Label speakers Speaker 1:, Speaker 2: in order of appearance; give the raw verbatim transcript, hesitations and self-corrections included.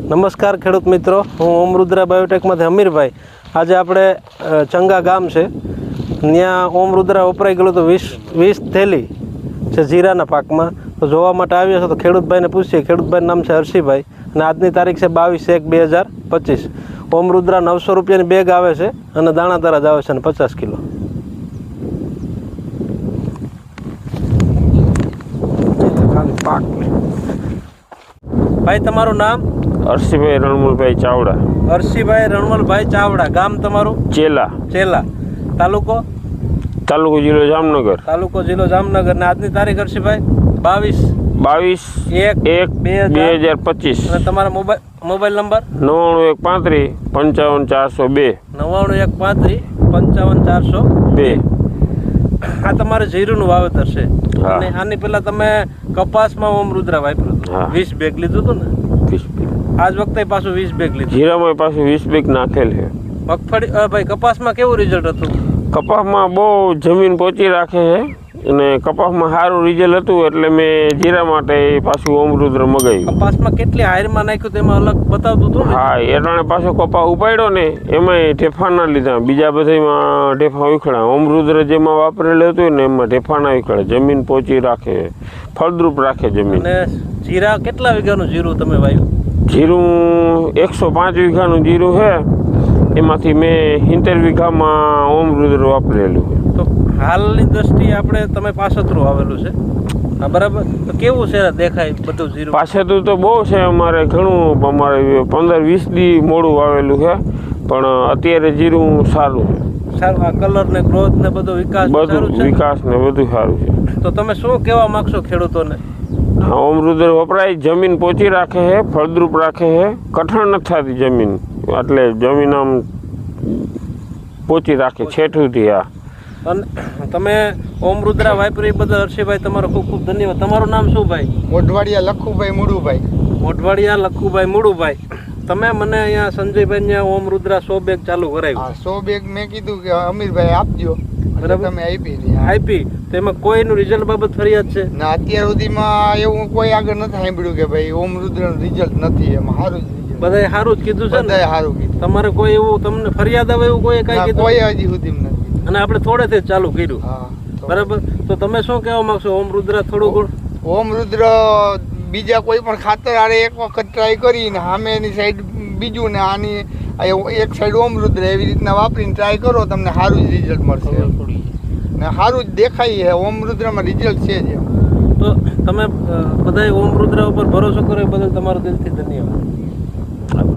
Speaker 1: નમસ્કાર ખેડૂત મિત્રો, હું ઓમ રુદ્રા બાયોટેકમાંથી અમીરભાઈ. આજે આપણે ચંગા ગામ છે, ત્યાં ઓમ રુદ્રા વપરાઈ ગયેલું તો વીસ વીસ થેલી છે જીરાના પાકમાં. તો જોવા માટે આવ્યા છો તો ખેડૂતભાઈને પૂછીએ. ખેડૂતભાઈનું નામ છે હર્ષિભાઈ અને આજની તારીખ છે બાવીસ એક બે હજાર પચીસ. ઓમ રુદ્રા નવસો રૂપિયાની બેગ આવે છે અને દાણા તરા જ આવે છે અને પચાસ કિલો. પાક ભાઈ, તમારું નામ?
Speaker 2: હર્ષિભાઈ રણમલભાઈ ચાવડા.
Speaker 1: હર્ષિભાઈ રણમલભાઈ ચાવડા. ગામ તમારું?
Speaker 2: ચેલા.
Speaker 1: ચેલા. તાલુકો?
Speaker 2: તાલુકો જિલ્લો જામનગર.
Speaker 1: તાલુકો જિલ્લો જામનગર. ને આજની તારીખ હર્ષિભાઈ બાવીસ
Speaker 2: બાવીસ
Speaker 1: એક
Speaker 2: એક બે હજાર પચીસ.
Speaker 1: અને તમારા મોબાઈલ મોબાઈલ નંબર?
Speaker 2: નવ્વાણું એક પાંત્રીસ પંચાવન ચારસો બે.
Speaker 1: નવ્વાણું એક પાંત્રીસ પંચાવન ચારસો
Speaker 2: બે.
Speaker 1: આ તમારે જીરુંનું વાવેતર છે. અને આની પહેલા તમે કપાસમાં ઓમ રુદ્રા વાપર્યું, વીસ બેગ લીધું હતું ને?
Speaker 2: વીસ બેગ.
Speaker 1: આજ વખતે પાછું વીસ બેગ લીધું.
Speaker 2: જીરામાં પાછું વીસ બેગ નાખેલ છે.
Speaker 1: મગફળી ભાઈ, કપાસમાં કેવું રિઝલ્ટ હતું?
Speaker 2: કપાસમાં બહુ જમીન પહોંચી રાખે છે અને કપાસમાં સારું રિઝલ્ટ હતું, એટલે મેં જીરા માટે પાછું ઓમ રુદ્ર મગાવ્યું.
Speaker 1: કપાસમાં કેટલી હાયરમાં નાખ્યું તેમાં અલગ બતાવતું હતું?
Speaker 2: હા, એટાણે પાછો કપાસ ઉપાડ્યો ને એમાં ઢેફા ના લીધા, બીજા બધામાં ઢેફા ઉખડા. ઓમ રુદ્ર જેમાં વાપરેલું હતું ને એમાં ઢેફા ના ઉખડે. જમીન પહોંચી રાખે, ફળદ્રુપ રાખે જમીન.
Speaker 1: અને જીરા કેટલા વીઘાનું જીરું તમે વાવ્યું?
Speaker 2: જીરું એકસો પાંચ વીઘાનું જીરું છે, એમાંથી મેં સિત્તેર વીઘામાં ઓમ રુદ્ર વાપરેલું છે.
Speaker 1: તો હાલની દ્રષ્ટિએ આપણે તમે પાસતરું આવેલું છે, હા બરાબર. તો કેવું છે દેખાય બધું જીરું?
Speaker 2: પાસેતું તો બહુ છે અમારે, ઘણું. અમારે પંદર વીસ દી મોડું વાવેલું છે, પણ અત્યારે જીરું સારું છે.
Speaker 1: સારું. આ કલર ને ગ્રોથ ને બધો વિકાસ
Speaker 2: બધું વિકાસ ને બધું સારું છે.
Speaker 1: તો તમે શું કહેવા માંગશો ખેડૂતોને?
Speaker 2: ઓમ રુદ્ર વપરાય, જમીન પોચી રાખે છે, ફળદ્રુપ રાખે છે, કઠણ નથી થતી જમીન, એટલે જમીન આમ પોચી રાખે છેઠુંથી. આ
Speaker 1: અને તમે ઓમ રુદ્રા વાપરી બદલ હર્ષિભાઈ તમારો ખૂબ ખૂબ ધન્યવાદ. તમારું નામ શું ભાઈ?
Speaker 3: મોઢવાડિયા લખુભાઈ મુડુભાઈ.
Speaker 1: મોઢવાડિયા લખુભાઈ મુડુભાઈ. તમે મને અહીંયા સંજયભાઈ ને ઓમ રુદ્રા સો બેગ ચાલુ કરાવ્યું.
Speaker 3: સો બેગ મેં કીધું કે અમીરભાઈ આપજો, તમે આપી
Speaker 1: આપી. તેમાં કોઈનું રિઝલ્ટ બાબત ફરિયાદ છે
Speaker 3: ના? અત્યાર સુધીમાં એવું કોઈ આગળ નથી સાંભળ્યું કે ભાઈ ઓમ રુદ્રનું રિઝલ્ટ નથી. એમાં સારું જ
Speaker 1: બધાએ સારું જ કીધું છે ને?
Speaker 3: બધાએ સારું કીધું.
Speaker 1: તમારે કોઈ એવું તમને ફરિયાદ આવે એવું કોઈ કઈ કીધું?
Speaker 3: કોઈ હજી સુધી નથી.
Speaker 1: અને આપણે થોડેથી જ ચાલુ કર્યું, બરાબર. તો તમે શું કહેવા માંગશો? ઓમ રુદ્રા થોડું ગુણ
Speaker 3: ઓમ રુદ્ર બીજા કોઈ પણ ખાતર આરે એક વખત ટ્રાય કરીને સામેની સાઈડ બીજું ને આની એક સાઈડ ઓમ રુદ્ર એવી રીતના વાપરીને ટ્રાય કરો, તમને સારું જ રિઝલ્ટ મળશે ને સારું જ દેખાય છે. ઓમ રુદ્રમાં રિઝલ્ટ છે જ.
Speaker 1: તો તમે બધાએ ઓમ રુદ્ર ઉપર ભરોસો કર્યો બદલ તમારો દિલથી ધન્યવાદ.